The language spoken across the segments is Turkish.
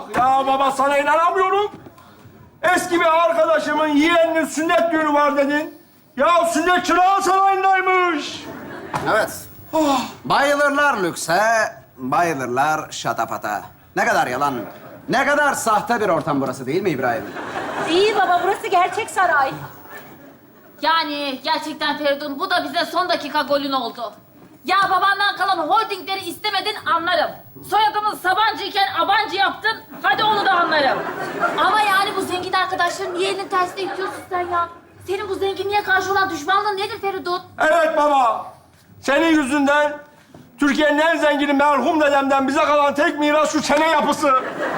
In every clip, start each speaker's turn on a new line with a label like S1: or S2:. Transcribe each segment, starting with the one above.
S1: bak. Ya baba sana inanamıyorum. Eski bir arkadaşımın yeğeninin sünnet düğünü var dedin. Ya sünnet çırağı sarayındaymış.
S2: Evet. Bayılırlar lükse, bayılırlar şatafata. Ne kadar yalan, ne kadar sahte bir ortam burası değil mi İbrahim?
S3: İyi baba, burası gerçek saray.
S4: Yani gerçekten Feridun bu da bize son dakika golün oldu. Ya babandan kalan holdingleri istemedin anlarım. Soyadımız Sabancı iken Abancı yaptın, hadi onu da anlarım. Ama yani bu zengin arkadaşların niye elini tersine itiyorsun sen ya? Senin bu zenginliğe karşı olan düşmanlığın nedir Feridun?
S1: Evet baba. Senin yüzünden Türkiye'nin en zengini merhum dedemden bize kalan tek miras şu çene yapısı.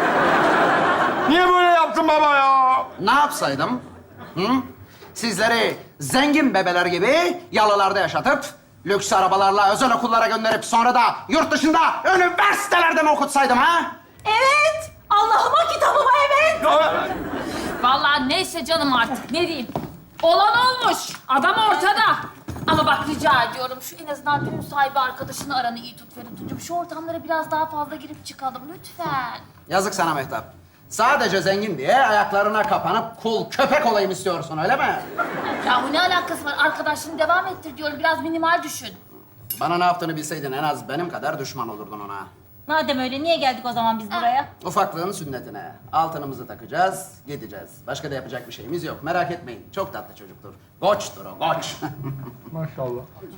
S1: Niye böyle yaptın baba ya?
S2: Ne yapsaydım? Hı? Sizleri zengin bebeler gibi yalılarda yaşatıp, lüks arabalarla özel okullara gönderip sonra da yurt dışında üniversitelerde mi okutsaydım ha?
S3: Evet, Allah'ıma kitabıma evet.
S1: Ya,
S4: Vallahi neyse canım artık ne diyeyim. Olan olmuş, adam ortada. Ama bak rica ediyorum şu en azından düğün sahibi arkadaşını aranı iyi tut Feridun'cum. Şu ortamlara biraz daha fazla girip çıkalım lütfen.
S2: Yazık sana Mehtap. Sadece zengin diye ayaklarına kapanıp kul köpek olayım istiyorsun öyle mi?
S4: Yahu ne alakası var? Arkadaşını devam ettir diyorum. Biraz minimal düşün.
S2: Bana ne yaptığını bilseydin en az benim kadar düşman olurdun ona.
S3: Madem öyle, niye geldik o zaman biz buraya?
S2: Ufaklığın sünnetine. Altınımızı takacağız, gideceğiz. Başka da yapacak bir şeyimiz yok. Merak etmeyin. Çok tatlı çocuktur. Goçtur o, goç.
S1: maşallah.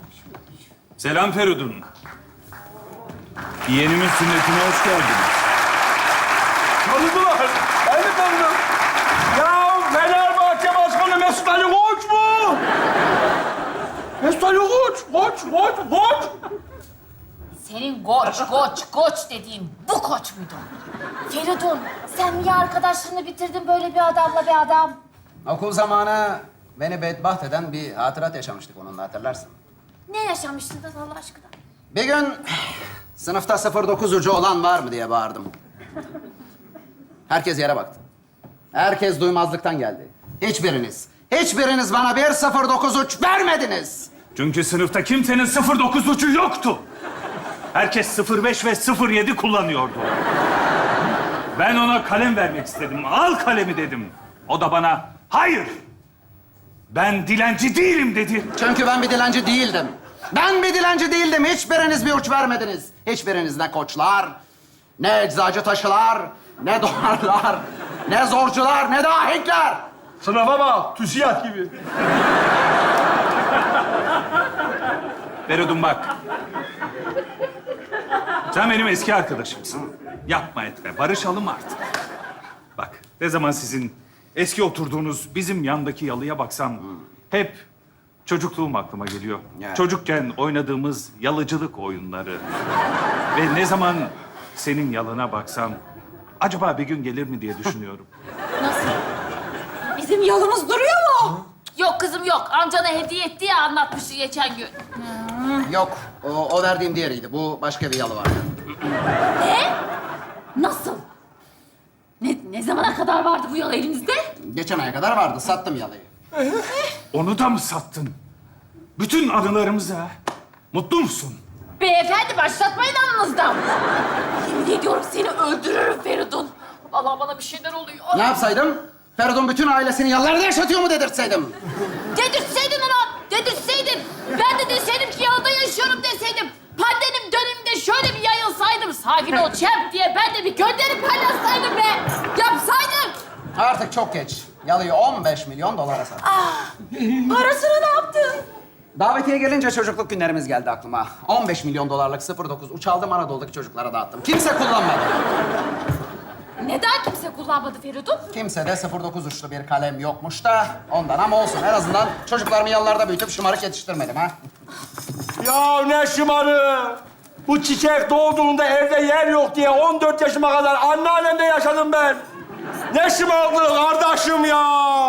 S5: Selam Feridun. Yeğenimin sünnetine hoş geldiniz.
S1: Tanıdılar. Ben de tanıdım. Ya Fenerbahçe Başkanı Mesut Ali Koç mu? Mesut Ali Koç, Koç.
S4: Senin koç dediğin bu koç muydu? Feridun, sen niye arkadaşlarını bitirdin böyle bir adamla bir adam?
S2: Okul zamanı beni bedbaht eden bir hatırat yaşamıştık onunla hatırlarsın.
S4: Ne yaşamıştınız Allah aşkına?
S2: Bir gün sınıfta 09 ucu olan var mı diye bağırdım. Herkes yere baktı. Herkes duymazlıktan geldi. Hiçbiriniz bana bir 09 uç vermediniz.
S5: Çünkü sınıfta kimsenin 09 ucu yoktu. Herkes 05 ve 07 kullanıyordu. Ben ona kalem vermek istedim. Al kalemi dedim. O da bana hayır. Ben dilenci değilim dedi.
S2: Çünkü ben bir dilenci değildim. Hiçbiriniz bir uç vermediniz. Hiçbiriniz ne koçlar, ne eczacı taşılar, ne dolarlar, ne zorcular, ne de ahenkler.
S1: Sınıfa bak, TÜSİAD gibi.
S5: Feridun bak. Sen benim eski arkadaşımsın. Yapma etme, barışalım artık. Bak, ne zaman sizin eski oturduğunuz bizim yandaki yalıya baksam... hep çocukluğum aklıma geliyor.
S2: Ya.
S5: Çocukken oynadığımız yalıcılık oyunları. Ve ne zaman senin yalına baksam... acaba bir gün gelir mi diye düşünüyorum.
S4: Nasıl?
S3: Bizim yolumuz duruyor mu?
S4: Yok kızım yok. Amcana hediye etti ya anlatmıştı geçen gün.
S2: Yok, o verdiğim diğeriydi. Bu başka bir yalı vardı.
S4: Ne? Nasıl? Ne zamana kadar vardı bu yol elinizde?
S2: Geçen aya kadar vardı, sattım yalıyı.
S5: Onu da mı sattın? Bütün anılarımızı ha? Mutlu musun?
S4: Beyefendi başlatmayın anınızdan. Yemin ediyorum seni öldürürüm Feridun. Vallahi bana bir şeyler oluyor.
S2: Ne yapsaydım? Feridun bütün ailesini yalılarda yaşatıyor mu dedirtseydim?
S4: Dedirtseydin ona, dedirtseydin. Ben de deseydim ki yanında yaşıyorum deseydim. Pandemim döneminde şöyle bir yayılsaydım. Sakin ol çep diye ben de bir gönderip paylaşsaydım be. Yapsaydım.
S2: Artık çok geç. Yalıyı 15 milyon dolara sattım.
S3: Parasını ne yaptın?
S2: Davetiye gelince çocukluk günlerimiz geldi aklıma. 15 milyon dolarlık 09 uç aldım, Anadolu'daki çocuklara dağıttım. Kimse kullanmadı.
S4: Neden kimse kullanmadı Feridun?
S2: Kimse de 09 uçlu bir kalem yokmuş da ondan ama olsun. En azından çocuklarımı yalılarda büyütüp şımarık yetiştirmedim ha.
S1: Ya ne şımarı. Bu çiçek doğduğunda evde yer yok diye 14 yaşıma kadar anneannemde yaşadım ben. Ne şımarıklığı kardeşim ya.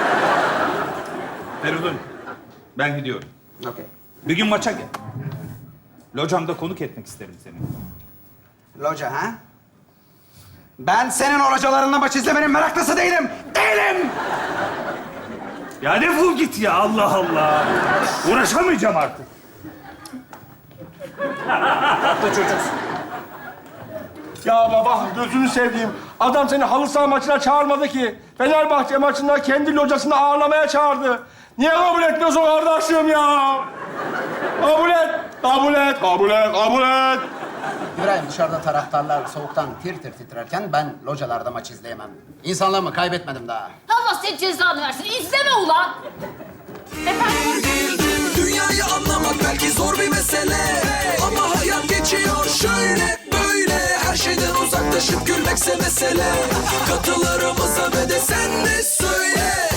S5: Feridun, ben gidiyorum.
S2: Okey.
S5: Bir gün maça gel. Locamda konuk etmek isterim seni.
S2: Loca ha? Ben senin o localarında maç izlemenin meraklısı değilim. Değilim!
S5: Ya defol git ya, Allah Allah. Uğraşamayacağım artık.
S2: Tatlı çocuksun.
S1: Ya baba gözünü seveyim. Adam seni halı saha maçına çağırmadı ki. Fenerbahçe maçında kendi locasını ağırlamaya çağırdı. Niye kabul etmiyorsun kardeşim ya? Kabul et, kabul et, kabul et, kabul et.
S2: İbrahim, dışarıda taraftarlar soğuktan tir tir titrerken ben localarda maç izleyemem. İnsanlığımı kaybetmedim daha.
S4: Allah senin cezanı versin. İzleme ulan.
S6: Dünyayı anlamak belki zor bir mesele, ama hayat geçiyor şöyle böyle. Her şeyden uzaklaşıp gülmekse mesele. Katılarımıza ve de sen de söyle.